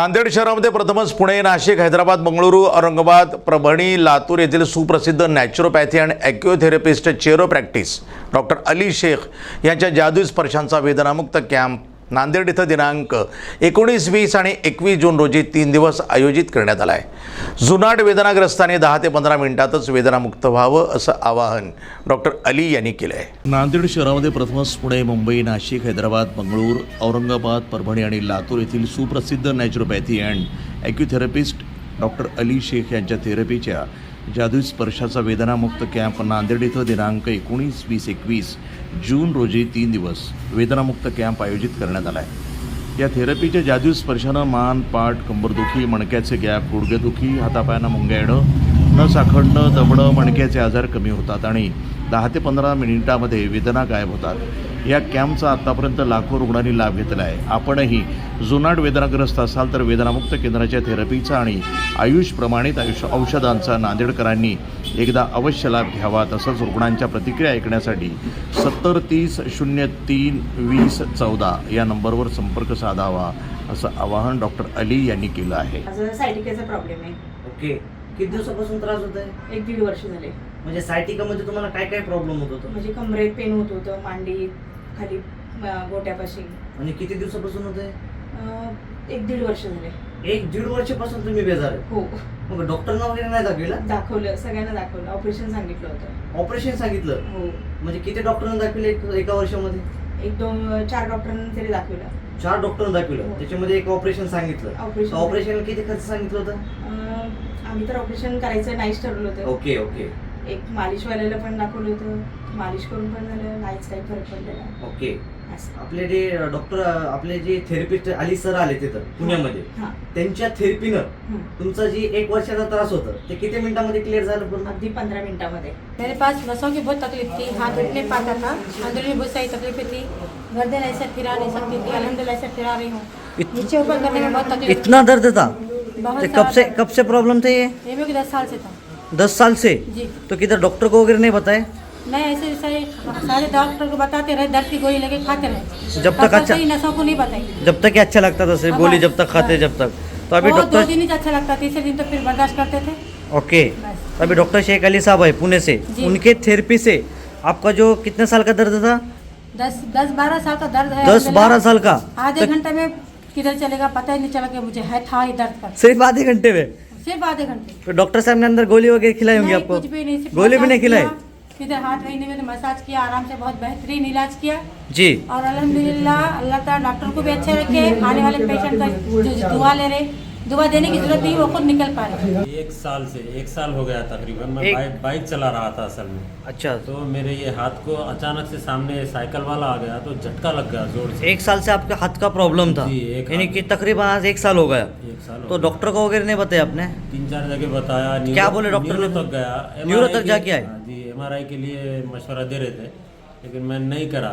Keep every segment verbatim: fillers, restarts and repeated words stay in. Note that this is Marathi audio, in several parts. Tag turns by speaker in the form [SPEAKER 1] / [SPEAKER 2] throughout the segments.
[SPEAKER 1] नांदेड शहरामध्ये प्रथमच पुणे, नाशिक, हैदराबाद, बंगळुरू, औरंगाबाद, परभणी, लातूर येथील सुप्रसिद्ध नॅचरोपॅथी आणि ॲक्युथेरपिस्ट चेरो प्रॅक्टिस डॉक्टर अली शेख यांच्या जादुई स्पर्शांचा वेदनामुक्त कॅम्प नांदेड इथं दिनांक एकोणीस, वीस आणि एकवीस जून रोजी तीन दिवस आयोजित करण्यात आला आहे। जुनाट वेदनाग्रस्तांनी दहा ते पंधरा मिनिटातच वेदनामुक्त व्हावं असं आवाहन डॉक्टर अली यांनी केलं आहे। नांदेड शहरामध्ये प्रथमच पुणे, मुंबई, नाशिक, हैदराबाद, बंगळूर, औरंगाबाद, परभणी आणि लातूर येथील सुप्रसिद्ध naturopathy and acutherapist doctor Ali Shaikh यांच्या थेरपीच्या जादुई स्पर्शाचा वेदनामुक्त कॅम्प नांदेड इथं दिनांक एकोणीस, वीस, एकवीस जून रोजी तीन दिवस वेदनामुक्त कॅम्प आयोजित करण्यात आला आहे। या थेरपीच्या जादुई स्पर्शानं मान, पाठ, कंबरदुखी, मणक्याचे गॅप, गुडघेदुखी, हातापायांना मुंग्या येणं, नस आखडणं, दमणं, मणक्याचे आजार कमी होतात आणि दहा ते पंधरा मिनिटामध्ये वेदना गायब होतात। या कॅम्पचा आत्तापर्यंत लाखो रुग्णांनी लाभ घेतला आहे। आपणही जुनाट वेदनाग्रस्त असाल तर वेदनामुक्त केंद्राच्या थेरपीचा आणि आयुष प्रमाणित आयुष औषधांचा नांदेडकरांनी एकदा अवश्य लाभ घ्यावा। तसंच रुग्णांच्या प्रतिक्रिया ऐकण्यासाठी सत्तर तीस शून्य तीन वीस चौदा या नंबरवर संपर्क साधावा असं आवाहन डॉक्टर अली यांनी केलं आहे।
[SPEAKER 2] माझा सायटिकाचा प्रॉब्लेम आहे।
[SPEAKER 3] ओके, किती दिवसापासून त्रास होत आहे?
[SPEAKER 2] एक दीड वर्ष झाले।
[SPEAKER 3] म्हणजे सायटिकामध्ये तुम्हाला काय काय प्रॉब्लेम होत होतं?
[SPEAKER 2] म्हणजे कमरेत पेन होत होतं, मांडी खाली अं, गोट्यापाशी।
[SPEAKER 3] आणि किती दिवसापासून होत आहे?
[SPEAKER 2] अं, एक दीड वर्ष झाले।
[SPEAKER 3] एक दीड वर्षापासून तुम्ही बेजार आहे?
[SPEAKER 2] हो,
[SPEAKER 3] मग डॉक्टरना वगैरे नाही दाखविलं?
[SPEAKER 2] दाखवलं, सगळ्यांना दाखवलं, ऑपरेशन सांगितलं होतं।
[SPEAKER 3] ऑपरेशन सांगितलं?
[SPEAKER 2] हो,
[SPEAKER 3] म्हणजे किती डॉक्टरांना दाखविलं एक- एका वर्षामध्ये?
[SPEAKER 2] एक दोन चार डॉक्टरांना तरी दाखवलं।
[SPEAKER 3] चार डॉक्टरांना दाखविलं,
[SPEAKER 2] हो.
[SPEAKER 3] त्याच्यामध्ये एक ऑपरेशन सांगितलं.
[SPEAKER 2] ऑपरेशन
[SPEAKER 3] ऑपरेशन किती खर्च सांगितलं होतं?
[SPEAKER 2] अं, आम्ही तर ऑपरेशन करायचं नाहीच ठरवलं होतं।
[SPEAKER 3] ओके ओके
[SPEAKER 2] एक मालिशवाल्याला पण दाखवलं होतं, मालिश करून पण झालं, नाहीच काही फरक पडलेला।
[SPEAKER 3] ओके
[SPEAKER 2] असं।
[SPEAKER 3] आपले जे डॉक्टर आपले जे थेरपिस्ट अली सर आले तिथं पुण्यामध्ये,
[SPEAKER 2] हां,
[SPEAKER 3] त्यांच्या थेरपीनं
[SPEAKER 2] हं.
[SPEAKER 3] तुमचा जी एक वर्षाचा त्रास होता ते किती मिनिटामध्ये क्लिअर झालं पूर्ण?
[SPEAKER 2] अगदी पंधरा मिनिटामध्ये।
[SPEAKER 4] मेरे पास नसों की बहुत तकलीफ थी, हाथ उठ नहीं पाता था, अंदर में बहुत सारी तकलीफें थी, गर्दन ऐसे फिरा नहीं सकती थी, अल्हम्दुलिल्लाह ऐसे फिरा रही हूँ। नीचे ऊपर करने में बहुत तकलीफ
[SPEAKER 3] इतना दर्द था?
[SPEAKER 4] बहुत
[SPEAKER 3] तो कब से
[SPEAKER 4] सारा
[SPEAKER 3] कब से प्रॉब्लम थे ये?
[SPEAKER 4] ये मेरे को दस साल से था
[SPEAKER 3] दस साल से?
[SPEAKER 4] जी।
[SPEAKER 3] तो किधर डॉक्टर को वगैरह नहीं बताए?
[SPEAKER 4] मैं ऐसे ऐसे सारे डॉक्टर को बताते रहे, दर्द की गोली लेके खाते रहे,
[SPEAKER 3] जब तक
[SPEAKER 4] तब
[SPEAKER 3] अच्छा-
[SPEAKER 4] ही नसों को नहीं बताई।
[SPEAKER 3] जब तक ये अच्छा लगता था, सिर्फ
[SPEAKER 4] हाँ,
[SPEAKER 3] गोली
[SPEAKER 4] बस,
[SPEAKER 3] जब तक खाते
[SPEAKER 4] बस।
[SPEAKER 3] जब तक। तो अभी
[SPEAKER 4] वो दो
[SPEAKER 3] डॉक्टर
[SPEAKER 4] दिन ही अच्छा लगता, तीसरे दिन तो फिर बर्दाश्त करते थे।
[SPEAKER 3] ओके,
[SPEAKER 4] बस।
[SPEAKER 3] तो अभी डॉक्टर शेख अली साहब है पुणे से,
[SPEAKER 4] जी।
[SPEAKER 3] उनके थेरेपी से आपका जो कितने साल का दर्द था?
[SPEAKER 4] दस दस बारह साल का दर्द है।
[SPEAKER 3] दस बारह साल का?
[SPEAKER 4] आधे
[SPEAKER 3] तो
[SPEAKER 4] घंटे में किधर चलेगा पता ही नहीं चला कि मुझे है था ही दर्द का,
[SPEAKER 3] सिर्फ आधे घंटे में?
[SPEAKER 4] सिर्फ आधे घंटे।
[SPEAKER 3] तो डॉक्टर साहब ने अंदर गोली वगैरह खिलाई होंगी
[SPEAKER 4] नहीं,
[SPEAKER 3] आपको?
[SPEAKER 4] कुछ भी नहीं, सिर्फ
[SPEAKER 3] गोली भी नहीं
[SPEAKER 4] मसाज
[SPEAKER 3] खिलाई?
[SPEAKER 4] किया, इधर हाथ महीने में तो मसाज किया, आराम से बहुत बेहतरीन इलाज किया।
[SPEAKER 3] जी।
[SPEAKER 4] और अल्हम्दुलिल्लाह अल्लाह ताला डॉक्टर को भी अच्छे रखे, आने वाले पेशेंट का जो दुआ ले रहे, दुआ देने की जरूरत नहीं, वो खुद निकल पा रहे।
[SPEAKER 5] एक साल से एक साल हो गया तकरीबन। मैं
[SPEAKER 3] एक-
[SPEAKER 5] बाइक बाइक चला रहा था असल में,
[SPEAKER 3] अच्छा,
[SPEAKER 5] तो मेरे ये हाथ को अचानक से सामने साइकिल वाला आ गया तो झटका लग गया जोर से।
[SPEAKER 3] एक साल से आपके हाथ का प्रॉब्लम था?
[SPEAKER 5] जी, एक
[SPEAKER 3] यानी
[SPEAKER 5] हाथ-
[SPEAKER 3] कि तकरीबन आज एक साल हो गया।
[SPEAKER 5] एक साल हो
[SPEAKER 3] तो
[SPEAKER 5] गया।
[SPEAKER 3] डॉक्टर को वगैरह नहीं बताया आपने?
[SPEAKER 5] तीन चार जगह बताया। न्यूरो-
[SPEAKER 3] क्या बोले डॉक्टर
[SPEAKER 5] न्यूरो
[SPEAKER 3] ने?
[SPEAKER 5] तक गया,
[SPEAKER 3] न्यूरो
[SPEAKER 5] एम आर आई
[SPEAKER 3] तक जाके
[SPEAKER 5] के-
[SPEAKER 3] आए?
[SPEAKER 5] हाँ जी, एम आर आई के लिए मशवरा दे रहे थे लेकिन मैं नहीं करा।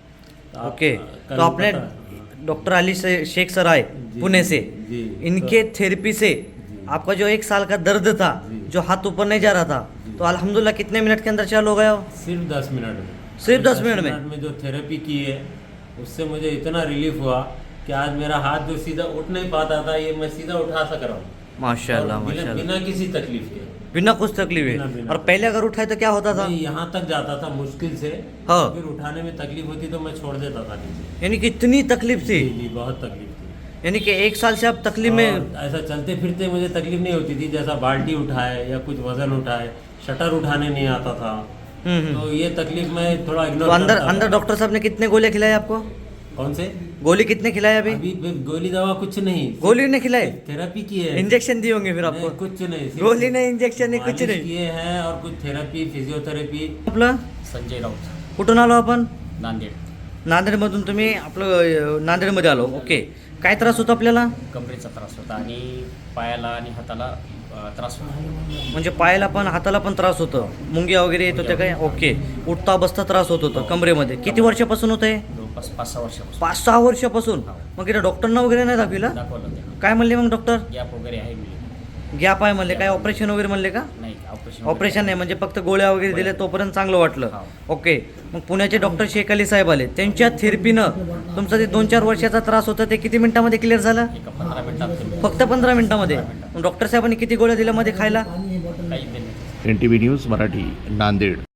[SPEAKER 5] तो आप-
[SPEAKER 3] ओके,
[SPEAKER 5] कल
[SPEAKER 3] तो आपने
[SPEAKER 5] पता-
[SPEAKER 3] डॉक्टर अली से शेख सर आए
[SPEAKER 5] जी,
[SPEAKER 3] पुणे से,
[SPEAKER 5] जी,
[SPEAKER 3] इनके थेरेपी से आपका जो एक साल का दर्द था,
[SPEAKER 5] जी।
[SPEAKER 3] जो हाथ ऊपर नहीं जा रहा था, तो अल्हम्दुलिल्लाह कितने मिनट के अंदर चालू हो गया वो?
[SPEAKER 5] सिर्फ दस मिनट में
[SPEAKER 3] सिर्फ दस मिनट में?
[SPEAKER 5] में जो थेरेपी की है उससे मुझे इतना रिलीफ हुआ कि आज मेरा हाथ जो सीधा उठ नहीं पाता था ये मैं सीधा उठा सक रहा हूँ।
[SPEAKER 3] माशाल्लाह
[SPEAKER 5] और बिना,
[SPEAKER 3] माशाल्लाह,
[SPEAKER 5] बिना किसी तकलीफ के।
[SPEAKER 3] बिना कुछ तकलीफ
[SPEAKER 5] बिना-
[SPEAKER 3] है।
[SPEAKER 5] बिना
[SPEAKER 3] और पहले अगर उठाए तो क्या होता था?
[SPEAKER 5] मैं यहाँ तक जाता था मुश्किल से,
[SPEAKER 3] हाँ।
[SPEAKER 5] फिर उठाने में तकलीफ होती तो मैं छोड़ देता था नीचे।
[SPEAKER 3] यानी कि इतनी तकलीफ थी?
[SPEAKER 5] जी जी, बहुत तकलीफ थी।
[SPEAKER 3] यानी कि एक साल से आप तकलीफ में?
[SPEAKER 5] और ऐसा चलते फिरते मुझे तकलीफ नहीं होती थी, जैसा बाल्टी उठाए या कुछ वजन उठाए, शटर उठाने नहीं आता था।
[SPEAKER 3] हम्म, हम्म।
[SPEAKER 5] तो ये तकलीफ मैं थोड़ा
[SPEAKER 3] तो
[SPEAKER 5] इग्नोर
[SPEAKER 3] अंदर
[SPEAKER 5] करता था।
[SPEAKER 3] अंदर डॉक्टर साहब ने कितने गोले खिलाए आपको?
[SPEAKER 5] कौन से
[SPEAKER 3] गोली कितने खिलाए अभी?
[SPEAKER 5] अभी भी गोली दवा कुछ नहीं,
[SPEAKER 3] गोली नहीं खिलाए?
[SPEAKER 5] थेरेपी की है।
[SPEAKER 3] इंजेक्शन दिए होंगे फिर
[SPEAKER 5] नहीं,
[SPEAKER 3] आपको?
[SPEAKER 5] कुछ नहीं, सिर्फ
[SPEAKER 3] गोली नहीं, इंजेक्शन नहीं, कुछ
[SPEAKER 5] मालिश
[SPEAKER 3] नाही.
[SPEAKER 5] किए हैं और कुछ थेरपी, फिजियोथेरपी।
[SPEAKER 3] आपलं
[SPEAKER 6] संजय राऊत,
[SPEAKER 3] कुठून आलो आपण?
[SPEAKER 6] नांदेड।
[SPEAKER 3] नांदेडमधून तुम्ही आपलं अं, नांदेडमध्ये आलो. ओके, काय त्रास होता आपल्याला?
[SPEAKER 6] कमरेचा त्रास होता आणि पायाला आणि हाताला अ, त्रास होता।
[SPEAKER 3] म्हणजे पायाला पण हाताला पण त्रास होतं, मुंग्या वगैरे येत होत्या काय? ओके, उठता बसता त्रास होत होतं कमरेमध्ये. किती वर्षापासून होत आहे?
[SPEAKER 6] जवळपास पाच सहा वर्षापासून
[SPEAKER 3] पाच सहा वर्षापासून. मग इथं डॉक्टरना वगैरे नाही दाखविलं?
[SPEAKER 6] दाखवलं ते.
[SPEAKER 3] काय म्हणले मग डॉक्टर?
[SPEAKER 6] गॅप वगैरे आहे मी
[SPEAKER 3] गॅप आहे म्हणले, काय ऑपरेशन वगैरे म्हणले का?
[SPEAKER 6] नाही ऑपरेशन ऑपरेशन
[SPEAKER 3] ऑपरेशन नाही म्हणजे फक्त गोळ्या वगैरे दिल्या तोपर्यंत चांगलं वाटलं. ओके. मग पुण्याचे डॉक्टर शेख अली साहेब आले, त्यांच्या थेरपीनं तुमचा ते दोन चार वर्षाचा त्रास होता ते किती मिनिटामध्ये क्लिअर झाला?
[SPEAKER 6] एका पंधरा मिनिटात
[SPEAKER 3] फक्त पंधरा मिनिटामध्ये. मग डॉक्टर साहेबांनी किती गोळ्या दिल्या मध्ये खायला?
[SPEAKER 6] काही दिले.
[SPEAKER 1] N T V news Marathi, Nanded.